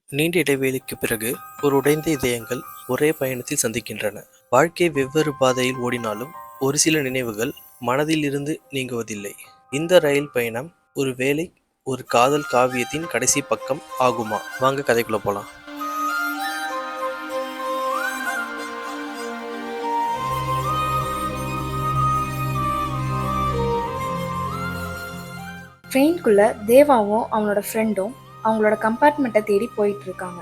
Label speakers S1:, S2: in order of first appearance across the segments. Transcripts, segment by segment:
S1: நீண்ட இடைவெளிக்குப் பிறகு ஒரு உடைந்த இதயங்கள் ஒரே பயணத்தில் சந்திக்கின்றன. வாழ்க்கை வெவ்வேறு பாதையில் ஓடினாலும் ஒரு சில நினைவுகள் மனதில் இருந்து நீங்குவதில்லை. இந்த ரயில் பயணம் ஒருவேளை ஒரு காதல் காவியத்தின் கடைசி பக்கம் ஆகுமா? வாங்க கதைக்குள்ள போலாம்.
S2: ட்ரெயின்குள்ள தேவாவும் அவனோட ஃப்ரெண்டும் அவங்களோட கம்பார்ட்மெண்ட்டை தேடி போயிட்டு இருக்காங்க.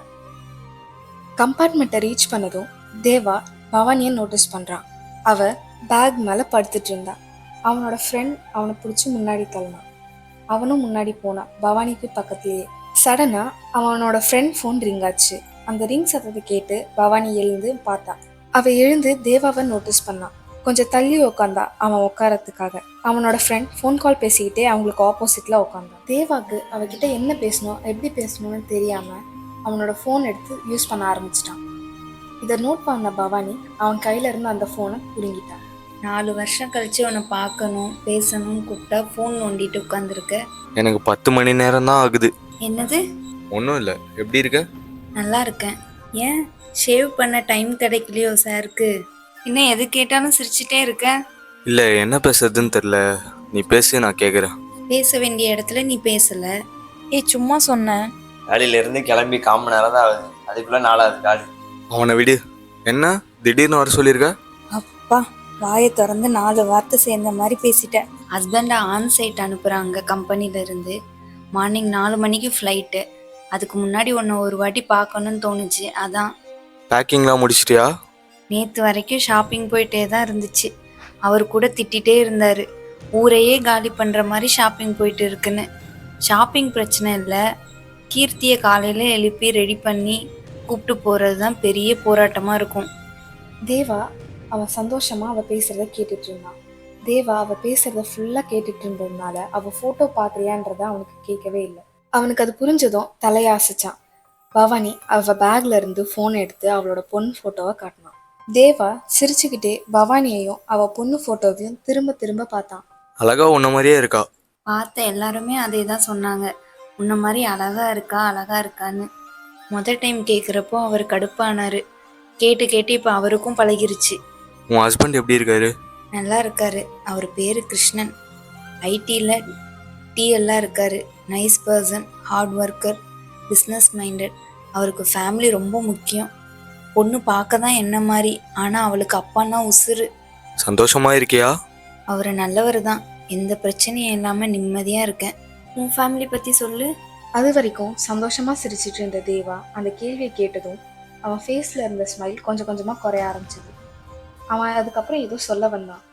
S2: கம்பார்ட்மெண்ட்டை ரீச் பண்ணதும் தேவா பவானியை நோட்டீஸ் பண்ணுறான். அவ பேக் மேலே படுத்துட்டு இருந்தா. அவனோட ஃப்ரெண்ட் அவனை பிடிச்சி முன்னாடி தள்ளினான். அவனும் முன்னாடி போனான், பவானிக்கு பக்கத்துலேயே. சடனாக அவனோட ஃப்ரெண்ட் ஃபோன் ரிங் ஆச்சு. அந்த ரிங் சத்தத்தை கேட்டு பவானி எழுந்து பார்த்தா. அவள் எழுந்து தேவாவை நோட்டீஸ் பண்ணான். கொஞ்சம் தள்ளி உக்காந்தா அவன் உட்காரத்துக்காக. அவனோட ஃப்ரெண்ட் ஃபோன் கால் பேசிக்கிட்டே அவங்களுக்கு ஆப்போசிட்ல உட்காந்தான். தேவாக்கு அவகிட்ட என்ன பேசணும் எப்படி பேசணும்னு தெரியாம அவனோட ஃபோன் எடுத்து யூஸ் பண்ண ஆரம்பிச்சிட்டான். இதை நோட் பண்ண பவானி அவன் கையில இருந்து அந்த ஃபோனை பிடுங்கிட்டான்.
S3: 4 வருஷம் கழிச்சு உன்னை பார்க்கணும் பேசணும்னு கூப்பிட்டா ஃபோன் நோண்டிட்டு உட்காந்துருக்க.
S4: எனக்கு 10 மணி நேரம் தான் ஆகுது.
S3: என்னது?
S4: ஒன்றும் இல்லை, எப்படி இருக்க?
S3: நல்லா இருக்கேன். ஏன் ஷேவ் பண்ண டைம் கிடைக்கலையோ சாருக்கு? இன்னும் எது கேட்டாலும் சிரிச்சிட்டே இருக்க.
S4: இல்லை, என்ன பேசுறதுன்னு தெரில. நீ பேசு, நான் கேட்குறேன்.
S3: பேச வேண்டிய இடத்துல நீ பேசல. சும்மா சொன்னேன்.
S5: வேலையிலேருந்து கிளம்பி 1/4 மணி நேரம் தான் ஆகுது, அதுக்குள்ளே 4வது கால்.
S4: அவனை விடு. என்ன திடீர்னு வர சொல்லியிருக்க?
S3: அப்பா, வாயை திறந்து 4 வார்த்தை சேர்ந்த மாதிரி பேசிட்டேன். ஹஸ்பண்டை ஆன் சைட் அனுப்புகிறாங்க கம்பெனிலேருந்து. மார்னிங் 4 மணிக்கு ஃப்ளைட்டு. அதுக்கு முன்னாடி உன்னை ஒரு வாட்டி பார்க்கணுன்னு தோணுச்சு, அதான்.
S4: பேக்கிங்லாம் முடிச்சிட்டியா?
S3: நேற்று வரைக்கும் ஷாப்பிங் போயிட்டே தான் இருந்துச்சு. அவர் கூட திட்டிகிட்டே இருந்தார், ஊரையே காலி பண்ணுற மாதிரி ஷாப்பிங் போயிட்டு இருக்குன்னு. ஷாப்பிங் பிரச்சனை இல்லை, கீர்த்தியை காலையில் எழுப்பி ரெடி பண்ணி கூப்பிட்டு போகிறது தான் பெரிய போராட்டமாக இருக்கும்.
S2: தேவா அவன் சந்தோஷமா அவ பேசுறத கேட்டுட்டு இருந்தான். தேவா அவ பேசுறத ஃபுல்லா கேட்டுட்டு இருந்ததுனால அவ போட்டோ பாக்குறியான்றத அவனுக்கு கேட்கவே இல்லை. அவனுக்கு அது புரிஞ்சதும் தலையாசிச்சான். பவானி அவ பேக்ல இருந்து போன் எடுத்து அவளோட பொண்ணு போட்டோவை காட்டினான். தேவா சிரிச்சுக்கிட்டே பவானியையும் அவ பொண்ணு போட்டோவையும் திரும்ப திரும்ப பார்த்தான்.
S4: அழகா உன்ன மாதிரியே இருக்கா.
S3: பார்த்த எல்லாருமே அதே தான் சொன்னாங்க, உன்ன மாதிரி அழகா இருக்கா அழகா இருக்கான்னு. முதல் டைம் கேட்குறப்போ அவர் கடுப்பானார். கேட்டு கேட்டு இப்போ அவருக்கும் பழகிருச்சு.
S4: உன் ஹஸ்பண்ட் எப்படி இருக்காரு?
S3: நல்லா இருக்காரு. அவர் பேர் கிருஷ்ணன். ஐடியில் டிஎல்லாம் இருக்காரு. Nice person, hard worker, business minded. அவருக்கு ஃபேமிலி ரொம்ப முக்கியம். பொண்ணு பார்க்க தான் என்ன மாதிரி, ஆனால் அவளுக்கு அப்பான்னா உசுறு.
S4: சந்தோஷமா இருக்கியா?
S3: அவர் நல்லவர் தான், எந்த பிரச்சனையும் இல்லாமல் நிம்மதியாக இருக்கேன். உன் ஃபேமிலி பற்றி சொல்லு.
S2: அது வரைக்கும் சந்தோஷமா சிரிச்சிட்டு இருந்த தேவா அந்த கேள்வியை கேட்டதும் அவன் ஃபேஸ்ல இருந்த ஸ்மைல் கொஞ்சம் கொஞ்சமா குறைய ஆரம்பிச்சது. அவன் அதுக்கப்புறம் ஏதோ சொல்ல வந்தான்.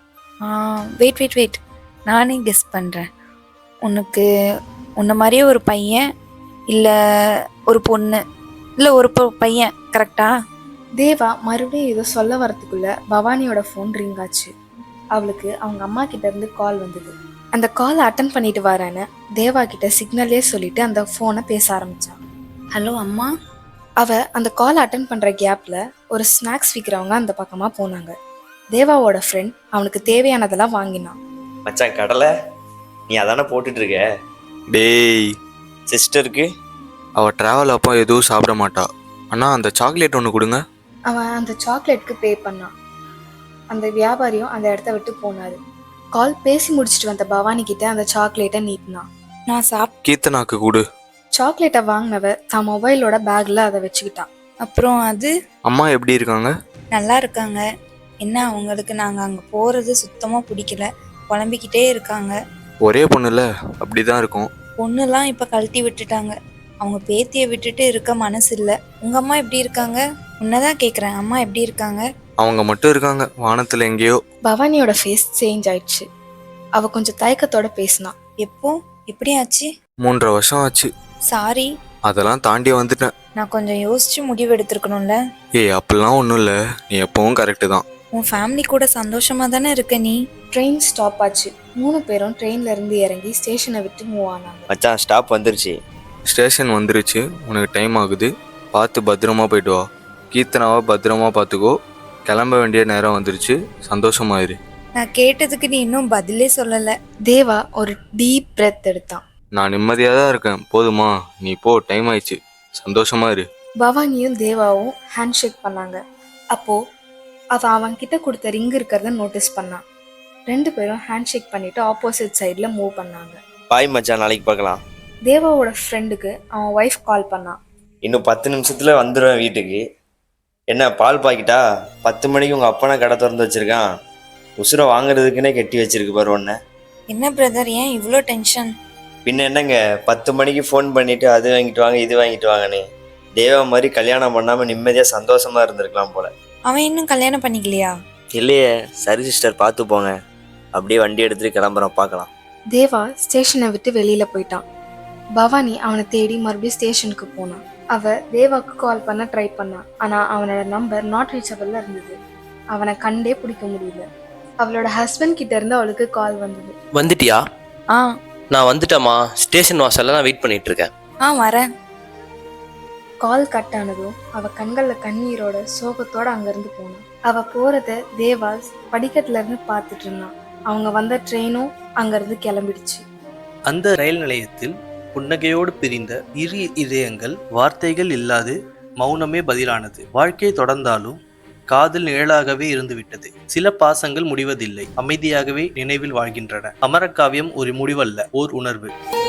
S3: வெயிட், நானே கெஸ் பண்ணுறேன். உனக்கு உன்ன மாதிரியே ஒரு பையன் இல்லை ஒரு பொண்ணு இல்லை ஒரு பையன், கரெக்டா?
S2: தேவா மறுபடியும் ஏதோ சொல்ல வரத்துக்குள்ள பவானியோட ஃபோன் ரிங் ஆச்சு. அவளுக்கு அவங்க அம்மா கிட்ட இருந்து கால் வந்தது. அந்த காலை அட்டன் பண்ணிட்டு வரேன்னு தேவா கிட்ட சிக்னல்லே சொல்லிட்டு அந்த ஃபோனை பேச ஆரம்பிச்சான்.
S3: ஹலோ அம்மா.
S2: அவ அந்த காலை அட்டன் பண்ற கேப்ல ஒரு ஸ்நாக்ஸ் விற்கிறவங்க அந்த பக்கமா போனாங்க. தேவாவோட ஃப்ரெண்ட் அவனுக்கு தேவையானதெல்லாம் வாங்கினான்.
S5: மச்சான், கடலை நீ அதானே போட்டுட்டு இருக்க?
S4: டேய்,
S5: சிஸ்டருக்கு
S4: அவள் ட்ராவல் அப்போ எதுவும் சாப்பிட மாட்டா. ஆனால் அந்த சாக்லேட் ஒன்று கொடுங்க.
S2: அவன் அந்த சாக்லேட்க்கு பே பண்ணான். அந்த வியாபாரியும் அந்த இடத்த விட்டு போனாரு. கால் பேசி முடிச்சுட்டு வந்த பவானி கிட்ட அந்த சாக்லேட்டை நீட்டினான்.
S3: நான்
S4: கீர்த்தனாக்கு கொடு.
S2: சாக்லேட்டை வாங்கினவ தான் மொபைலோட பேக்ல அதை வச்சுக்கிட்டான்.
S3: அப்புறம் அது
S4: அம்மா எப்படி இருக்காங்க?
S3: நல்லா இருக்காங்க. என்ன அவங்களுக்கு நாங்கள் அங்கே போகிறது சுத்தமாக பிடிக்கல, புலம்பிக்கிட்டே இருக்காங்க.
S4: ஒரே பொண்ணுல அப்படி தான் இருக்கும்.
S3: பொண்ணுலாம் இப்போ கழட்டி விட்டுட்டாங்க. அவங்க பேத்தியை விட்டுட்டு இருக்க மனசு இல்லை. உங்கள் அம்மா எப்படி இருக்காங்க? உன்னதான் கேட்குறேன், அம்மா எப்படி இருக்காங்க?
S4: அவங்க மட்டும் இருக்காங்க, வானத்தில் எங்கேயோ.
S2: பவானியோட ஃபேஸ் சேஞ்ச் ஆயிடுச்சு. அவ கொஞ்சம் தயக்கத்தோட பேசினான்.
S3: எப்போ எப்படி ஆச்சு?
S4: 3.5 வருஷம் ஆச்சு.
S3: சாரி,
S4: அதெல்லாம் தாண்டி வந்துட்டேன்.
S3: நான் கொஞ்சம் யோசிச்சு முடிவு எடுத்துருக்கணும்ல.
S4: ஏய், அப்படிலாம் ஒன்றும் இல்லை, நீ எப்பவும் கரெக்டு தான்.
S3: உன் ஃபேமிலி கூட சந்தோஷமா தானே இருக்க நீ?
S2: ட்ரெயின் ஸ்டாப் ஆச்சு. 3 பேரும் ட்ரெயின்ல இருந்து இறங்கி ஸ்டேஷனை விட்டு மூவ் ஆனாங்க.
S5: மச்சான், ஸ்டாப் வந்துருச்சு.
S4: ஸ்டேஷன் வந்துருச்சு, உனக்கு டைம் ஆகுது, பார்த்து பத்திரமா போயிட்டு வா. கீர்த்தனாவை பத்திரமா பார்த்துக்கோ. கிளம்ப வேண்டிய நேரம் வந்துருச்சு, சந்தோஷமாயிரு.
S3: நான் கேட்டதுக்கு நீ இன்னும் பதிலே சொல்லலை.
S2: தேவா ஒரு டீப் பிரெத் எடுத்தான்.
S4: நான் நிம்மதியாக தான் இருக்கேன், போதுமா? நீ போ, டைம் ஆயிடுச்சு. சந்தோஷமா இரு.
S2: பவானியும் தேவாவும் ஹேண்ட் ஷேக் பண்ணாங்க. அப்போ அவன்கிட்ட கொடுத்த ரிங் இருக்கிறத நோட்டீஸ் பண்ணான். 2 பேரும் ஹேண்ட் ஷேக் பண்ணிட்டு ஆப்போசிட் சைடில் மூவ் பண்ணாங்க.
S5: பாய் மச்சான், நாளைக்கு பார்க்கலாம்.
S2: தேவாவோட ஃப்ரெண்டுக்கு அவன் ஒய்ஃப் கால் பண்ணான்.
S5: இன்னும் 10 நிமிஷத்துல வந்துடுவேன் வீட்டுக்கு. என்ன பால் பாக்கிட்டா? 10 மணிக்கு உங்கள் அப்பனா கடை திறந்து வச்சிருக்கான். உசுரை வாங்குறதுக்குன்னே கட்டி வச்சிருக்கு பாரு ஒன்று.
S3: என்ன பிரதர், ஏன் இவ்வளோ டென்ஷன்?
S5: பின்ன என்னங்க 10 மணிக்கு ஃபோன் பண்ணிட்டு அது வாங்கிட்டு வாங்க இது வாங்கிட்டு வாங்கன்னு. தேவா மாதிரி கல்யாணம் பண்ணாமல் நிம்மதியாக சந்தோஷமா இருந்திருக்கலாம் போல.
S3: அவன் இன்னும் கல்யாணம் பண்ணிக்கலையா?
S5: இல்லையே. சரி சிஸ்டர், பார்த்து போங்க. அப்படியே வண்டி எடுத்துட்டு கிளம்புறோம், பார்க்கலாம்.
S2: தேவா ஸ்டேஷனை விட்டு வெளியில போயிட்டான். பவானி அவனை தேடி மறுபடியும் ஸ்டேஷனுக்கு போனான். அவ தேவாக்கு கால் பண்ண ட்ரை பண்ணான். ஆனா அவனோட நம்பர் நாட் ரீச்சபிள்ல இருந்தது. அவனை கண்டே பிடிக்க முடியல. அவளோட ஹஸ்பண்ட் கிட்ட இருந்து அவளுக்கு கால் வந்தது.
S6: வந்துட்டியா?
S3: ஆ
S6: நான் வந்துட்டேம்மா. ஸ்டேஷன் வாசல்ல நான் வெயிட் பண்ணிட்டு இருக்கேன்.
S3: வரேன்.
S2: கால் கட் ஆனதும் அவ கண்கள்ல கண்ணீரோட சோகத்தோட அங்கிருந்து போனான். அவ போறத தேவா படிக்கட்டுல இருந்து பார்த்துட்டு இருந்தான். அவங்க வந்த ட்ரெயினும் அங்கிருந்து கிளம்பிடுச்சு.
S1: அந்த ரயில் நிலையத்தில் புன்னகையோடு பிரிந்த இரு இதயங்கள் வார்த்தைகள் இல்லாது மௌனமே பதிலானது. வாழ்க்கை தொடர்ந்தாலும் காதல் நிழலாகவே இருந்துவிட்டது. சில பாசங்கள் முடிவதில்லை, அமைதியாகவே நினைவில் வாழ்கின்றன. அமரகாவியம் ஒரு முடிவல்ல, ஓர் உணர்வு.